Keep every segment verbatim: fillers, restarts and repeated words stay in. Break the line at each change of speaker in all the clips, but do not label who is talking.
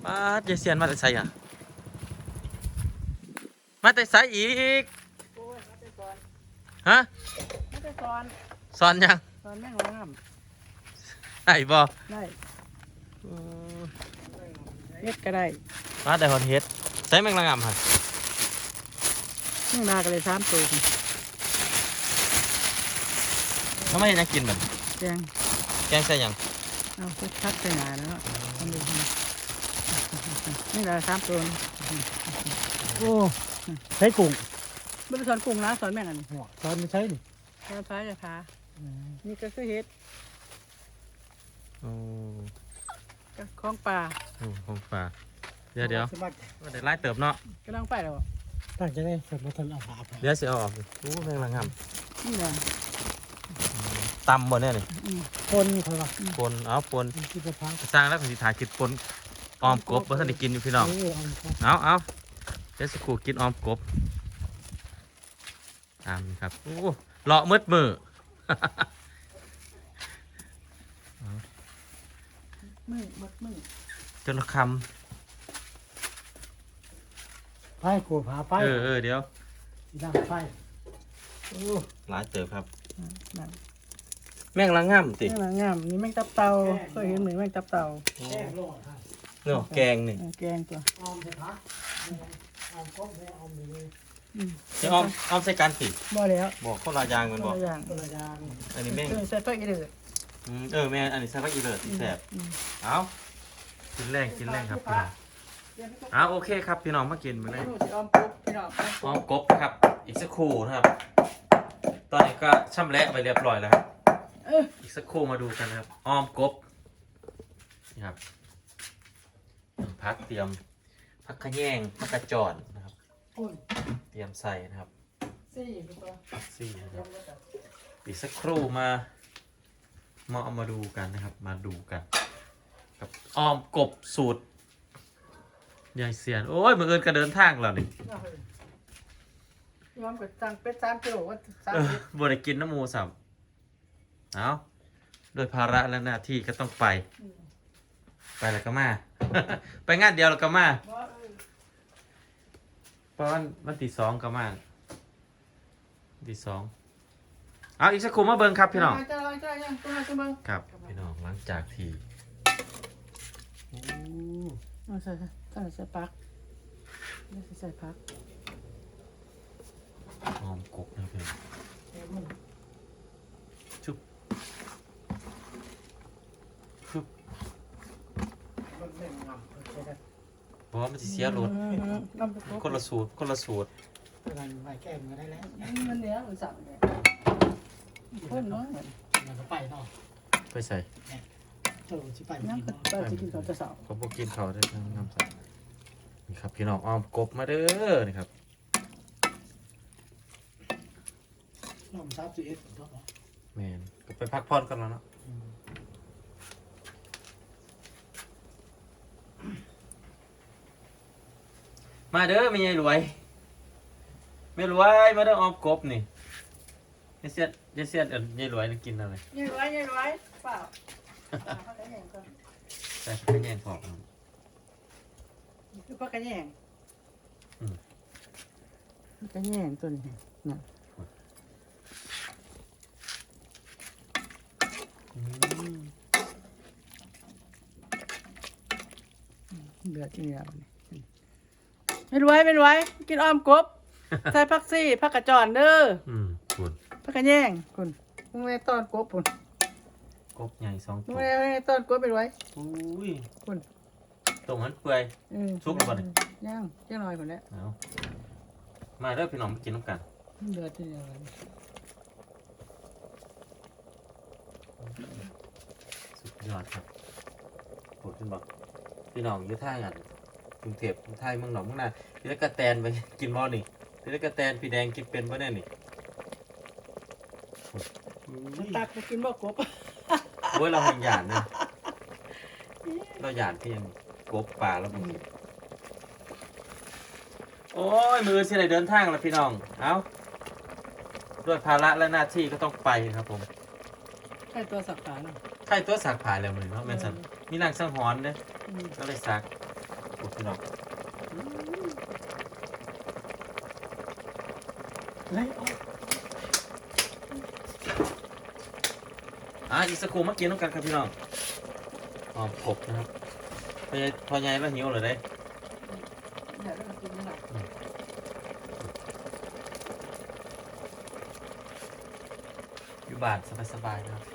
ป้าดยายเซียนมาแต่ไสอ่ะมาแต่ไสอีก
โอ้ยมาแต่สอน
ฮะ
มาแต่สอน
สอนยัง
สอนแม่งงาม
ได้บ่
ได้
อืม
เฮ็ดก็ได้
มาแต่ฮอนเฮ็ดใส่แมงละงำหั่น
แม่งนาก็เลยสามตัว
ทำไมยังกินมัน
แกง
แกงใส่หยัง
เอาไปทักใส่หนาแล้วเนาะทำดูนี่ละสามตัว
โอ้ใช้กุ้ง
ไม่ได้สอนกุ้งนะสอนแม่งอันนี้
หัวตอนไม่ใช่นี่
สอนพายจะพานี่ก็คือเฮ็ด
โอ้
ก็ของป่า
โหของฝากเดี๋ยวเดี๋ยว
สมัคร
เดี๋ยวไล่เติบเนาะ
ก็ต้องไปแล้ว
ตั้งใจได้สมมติทนเอาผาไป
เดี๋ยวสิเอาออกดิโอ้แมงละง
นี่แหละ
ำตำบ่เนี่ยนี่
คนเขาว่า
ปนเอาปน
ที่จะพัก
สร้างแล้วก็สิถ่ายคลิปปนออมกบบ่ทันได้กินอยู่พี่น้อง
เออเอาครับ
เอาเอาเดี๋ยวสักครู่กินออมกบตามนี้ครับโอ้เลาะมืดมือ
มือมัดมือ
จนละค
ไปกูผาไป
ำเออเออเดี๋ยว
ดังไฟ
โอ้หลายเติบครับ
นั่น
แมงละงำติ
แม่งละงามนี่แม่งตับเต่าเคยเห็นเหมือนแม่งตับเต่า
แก้โลดฮะ
เนื้อแกงนี่
แกงตัว
ออมจะพักออมก้มไม่ออมอยู่เลย
อืม
เดี๋ยวออมออมใส่กันติ
บ่แล้ว
บอกข้าวลายางมันบอก
ตัวอย่าง
ตัวละยาง
อันนี้แม่ง
เออใส่ตัวอีเดือด
อืมเออแม่อันนี้ใส่ผักอีเลิศที่แสบ
อืม
เอากินแรงกินแรงครับพี่น้องเอาโอเคครับพี่น้องมากินมาเลย
ดูสิออมปุ๊บพี่น้อง
ออมกบครับ อีกสักครู่นะครับ ตอนนี้ก็ช่ำแหละไปเรียบร้อยแล้วครับ
เออ
อีกสักครู่มาดูกันนะครับออมกบนี่ครับพักเตรียมพักขะแยงพักกระจอนนะครับ
โอ้ย
เตรียมใส่นะครับ
สี่ตัว
พักซี่นะครับอีกสักครู่มามาเอามาดูกันนะครับ มาดูกันกับออมกบสูตรยายเสียนโอ้ยมือเอินกระเดินทางแล้วนี่
ยอมกับจังเป็ดสามกิโลว่าสาม
เออ
เม็ด
บ่ได้กินน้ำหมูสับเอาโดยภาระและหน้าที่ก็ต้องไป ไปแล้วก็มา ไปงานเดียวแล้วก็มา
บ่เออ
เพราะวันวันที่สองก็มาวันที่สองเอาอีกสักครู่มาเบิ่งครับพี่น้อง
จ้าจ้ายังตัวมาตัวมึง
ครับพี่น้องหลังจากที่โอ้
เอาใส่ใส่ใส่ใส่ปักใส่พัก
หอมกบนะครับพี่น้องชุบชุบ
มันแม่งงำใช่ไหม
เพราะว่ามันจะเสียรส
น้ำตก
คนละสูตรคนละสูตร
อะไรไว้แก้มือได้แล้ว
มันเนี้ยมันสั่งเนี่ยคนน้อย
มันก็ไปเนาะ
ไปใส่
เจ้าชิไป
นั่ง
กิน
ก็
เนาะ
ไปจะกินข้าวจะเสา
เขาบอกกินเขาได้ทั้งน้ำใส่นี่ครับพี่น้องอ้อมกบมาเด้อนี่ครับ
น้องซับจีเอสเนาะ
แมนก็ไปพักผ่อนกันแล้วเนาะมาเด้อไม่ยายรวยไม่รวยมาเด้ออ้อมกบนี่ยายเสียดยายเสียดเอิ้นยายรวยนี่กินอะไร
ยัยร้อยยัยร้อยเปล่าเขาจะแย่งก่อน
ใส่ข้าวแยงพอกครับ
คือปลากระแยงกระแยงตัวนี้น่ะ
อืม
เดือดที่นี่ไม่รวยไม่รวยกินอ้อมกบใส่ผักซี่ผักกระจอนเด้อ
อืมคุณ
ผักกระแยงคุณมึงไม่ต้อนกบคุณ
กบใหญ่สอง
มึง
ตัว
ไม่ไม่ต้อนกบไปรวย
อุ้ย
คุณ
ตรงนั้นเปื่อย ซุปหรือเปล่าเนี่ย
ย่างย่างหน่อยคนนี้
เอามาเด้อพี่น้องมากินน้ำกัน
เดือดที่นี่
สุดยอดครับโหดขึ้นบอกพี่น้องอยืดท่ากันกรุงเทพกรุงไทยเมืองหนองเมืองนาพี่ตะกะแตนไปกินบ่นี่พี่ตะกะแตนพี่แดงกินเป็นบ่แน่นี่อุ้ย
ตักไปกินบ่กบ
โอ้ยเราหันหยาดนะเราหยาดที่ยังกบป่าแล้วมึงโอ้ยมือสิไหนเดินทางแล้วพี่น้องเอาด้วยภาระและหน้าที่ก็ต้องไปครับผม
ใช่ตัวสักขาเนาะ
ใครตัวสักผายแล้วมือเนาะแม่นสันมีนางสังหรณ์เด้อก็เลยสักกดพี่น้อง
เฮ้ยเอา
อ่ะอีกสักครู่มากินน้ำกันครับพี่น้องอ๋อกบนะครับพอใหญ่พอใหญ่แล้วหิวเลยเด้
เดี๋ยวเรากินไม่หลับ
อยู่บ้านสบายๆนะครับ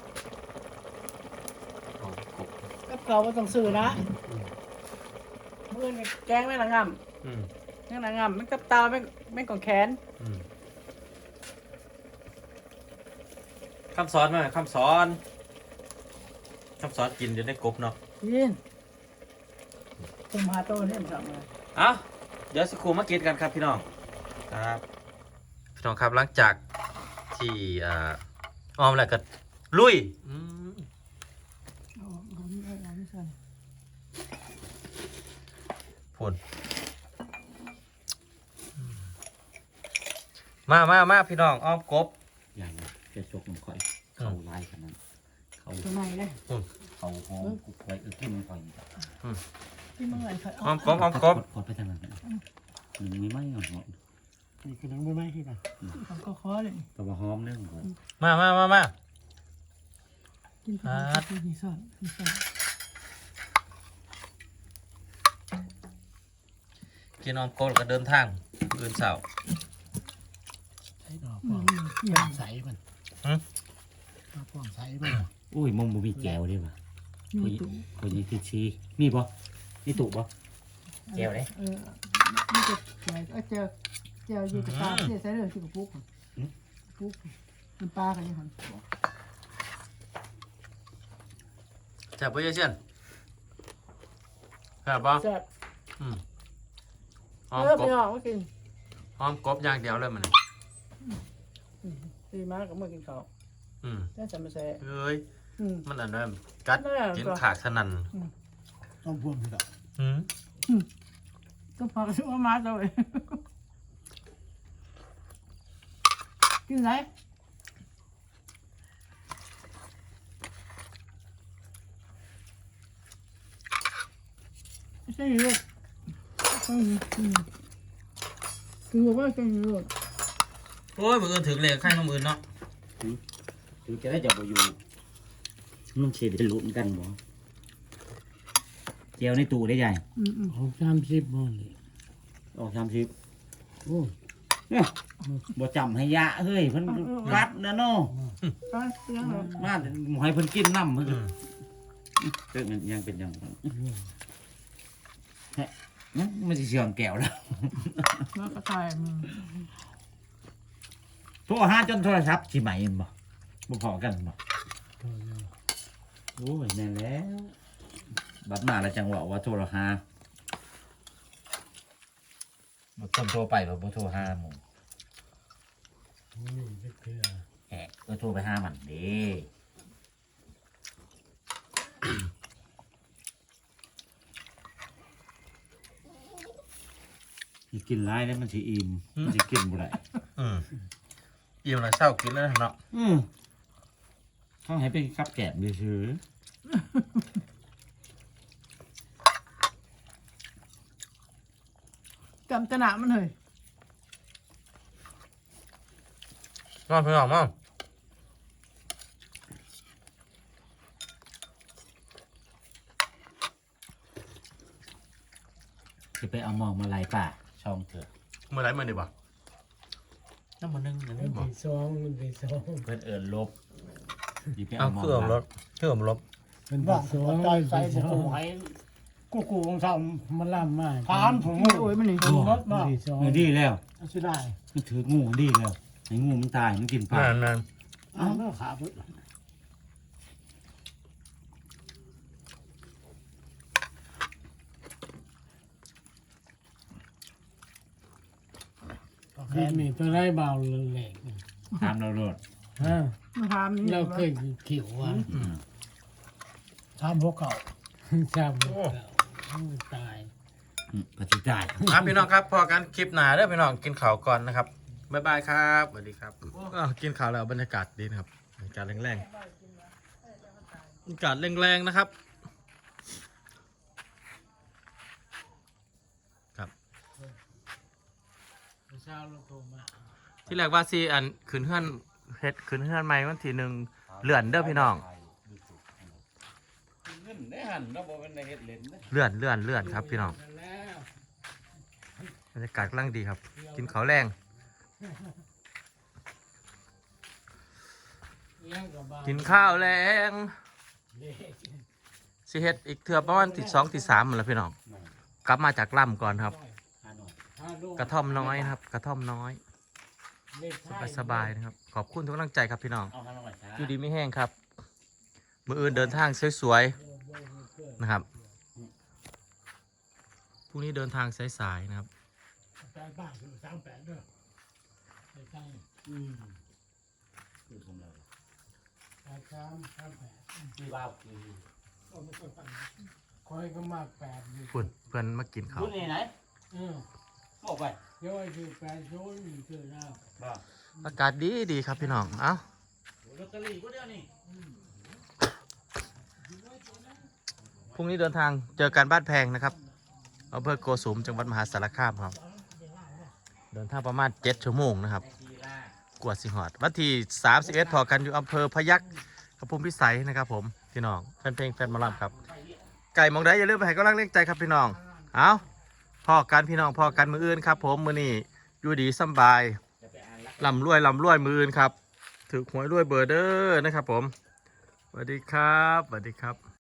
อ๋อกบ
กับเก่าก็ต้องซื้อนะ
อืม
เมื่อนี่แกงแม่งละง
อืม
ำแม่งละงำแม่งกับเตาแม่งแม่งของแขน
อืมคำสอนมาคำสอนคำสอนกินจะได้กบเนาะ
ยินผมหาโต้เนี่ยมันทำไง
เอ้าเดี๋ยวสักครู่มากินกันครับพี่น้องครับพี่น้องครับหลังจากที่อ่าออมแล้วก็ลุยอืม
เอาเอาไม่เอาเอาไม่ใส่
พูนมามามาพี่น้องอ้อมกบ
อย่างจะจกมันค่อยเขาไล่ขนาดนั้นเขา
ตัวไหนเลย
เขาหอมกุกไว้เออที่มันค่อย
ที่เมื่อไหร่ค่อย
อ้อมกบอ้อมกบ
กดไปทางนั้นมันไม่ไหม้หรอก
นี่คือหนังไม่ไหม้ที่กัน
เอาก็คอเลย
แต่ว่าหอมเรื่องก่อน
มามามามา
กินไปกินที่ซ่อนที่ซ่อน
กินอ้อมกบแล้วก็เดินทางอื่นเสาร์
ใช้ดอก
อื
ป้อง
มเกี่ย
ป้
ว
องใสมัน
หืม
ดอกป้องใสมัน
อุ้ยมองบ่มีแก้วได้ป่ะ
มีตุ้
คนยังคือชีมีบ่มีตุบ่แก้วเลย
เออนี่จะใส่เออเจอเจอยีกระตาเสียใส่เลยที่กระปุกปุกมันปลากันยังไง
จับไปเยอะเช่นครับปะ
แซ่บ
อืมอ้อม
เออก ไป
บ
ออกมากิน
อ้อมกบอย่างเดียวเลยมันน่ะ
ดีมากกับเมื่อกินข้าว
อืม
ได้จะมาแซ่
เอ้ย
อืม
มันอันนั้นกัด
นั่นแหละ
กินขากสนั่น
ต้องพ่วงพี่ดอก
อืม
ก็พอชื่อว่ามาเลยกินไรไม่ใช่ลูกคือว่าเป็นลูก
โอ้ยมืออื่นถึงเลยข้างน้ำอื่นเนาะ
ถึงจะได้จับบ่อยู่มันเฉดได้ลุ้นกันบ่แก้วในตู้ได้ใหญ่
อืมอืม
ของสามสิบมันนี่
ออกสามสิบ
โอ้
เนี่ยบ่จำให้ยะเฮ้ยเพิ่นรัดนะเนาะ
ไปยังไง
มาหมให้เพิ่นกินน้ำเพิ่นเรื่องมันยังเป็นอย่างนั้นแฮะมันสิเชื่องแก้วแล้ว
มากระต่ายมึง
โทรหาจนโทรศัพท์สิใหม่เห็นบ่บ่พอกันบ่โอ้ยแม่นแล้วบัดมาแล้วจังหวะว่าโทรหาบ่คนโทรไปบ่บ่โทรหาหมู่
โหเด็กเพื่อ
แหะก็โทรไปหามันเด้สิกินหลายแล้วมันสิอิ่มมันสิกินบ่ได้
อืมอิ่มแล้วเศร้ากินแล้วเนาะ
อืมต้องให้เป็นกับแกล้มซื่อ
จำตนามันเลย
นอนพี่น้องมั้ง
ๆสิไปเอาหมองมาไล่ป่าช่องเถอะ
เมื่อไรเมื่อดีบ่น้ำมันนึ่งอัน
มั
นี้
น
บ่
เป็นซองมันเป็นซอง
เพิ่นเอิ้นลบสิไป
เอา
เอาหมอง
เครื่องรถเครื่องรถ
มันเป็นซองมันเป็นซอง
กูกูของทำมันล่ำมาก
ถามผม
โอ้ยมันนี่
ดูรถบ่
ดีซอง
เออดีแล้ว
สิได้
มันถืองูดีแล้วให้งูมันตายมันกินปลา
นั่นนั่น
อ้าวแล้วขาพุ่นแค่มีตัวได้เบาเลยแหลก
ตามเราโลด
ฮะ
มาทำนี่
เราเคยขิวอ่ะ
อืม
ทำพวกเขาทำพวกเขาโอ้ตาย
อืมปฏิได้
ครับพี่น้องครับพอกันคลิปหนาเด้อพี่น้องกินข้าวก่อนนะครับบ๊ายบายครับสวัสดีครับอ้าวกินข้าวแล้วบรรยากาศดีนะครับบรรยากาศแรงๆบรรยากาศแรงๆนะครับ
เช้าเราโทรมา
ที่แรกว่าซีอันขึ้นเฮือนเฮ็ดขึ้นเฮือนใหม่วันที่หนึ่งเลื่อนเด้อพี่น้อง
เงินได้หันเราบอกเป็นในเฮ็ดเล่นนะ
เลื่อนเลื่อนเลื่อนครับพี่น้อง
แล้ว
บรรยากาศกำลังดีครับ กินข้าวแรง
เลี้ยงกับบ้าน
กินข้าวแรง
เด็ก
สิเฮ็ดอีกเทื่อประมาณที่สองที่สามหมดแล้วพี่น้องกลับมาจากล่ำก่อนครับ
หาหน่อย
พาลูก
กระท่อมน้อยนะครับ กระท่อมน้อย
เด็ก
สบายสบายๆนะครับ ขอบคุณทุกกำลังใจครับพี่น้อง
เอาหาหน่อยช้า
อยู่ดีไม่แห้งครับ มืออื่นเดินทางสวยๆนะครับพรุ่งนี้เดินทางสายๆนะครับ
แปดบ้านคือสามแปดเด้อไปตั้ง
อืมคือผมเลย
แปดสามสามแปด
พี่บ้าวคือ
ก็ไม่ค่อยฟังคอยก็มากแปดอยู่
เพื่อนเพื่อนมากินข้าว
รุ่นนี้ไหน
เออ
บอกไป
เดี๋ยวไอ้คือแปดโซนนี่คือหน้า
บ้า
อากาศดีดีครับพี่น้อง เอ้า
ลอตเตอรี่ก็เดียวนี่
พรุ่งนี้เดินทางเจอกันบ้านแพงนะครับอำเภอโกสุมจังหวัดมหาสารคามครับ เดินทางประมาณเจ็ดชั่วโมงนะครับ
ทีล่าก
วดสิหอดวันที่สามสิบเอ็ดพอกันอยู่อำเภอพยัคฆ์กระพุมพิสัยนะครับผมพี่น้องแฟนเพลงแฟนหมอลำครับ ไก่มองได้อย่าลืมไปให้กำลังเล่งใจครับพี่น้อง เอาพ่อกันพี่น้องพ่อกันมืออื่นครับ ผมมือนี้อยู่ดีสำบาย
จะไปอ่านละ
ลำรวยลำรวยมืออื่นครับถือหวยรวยเบอร์เดอร์นะครับผมสวัสดีครับสวัสดีครับ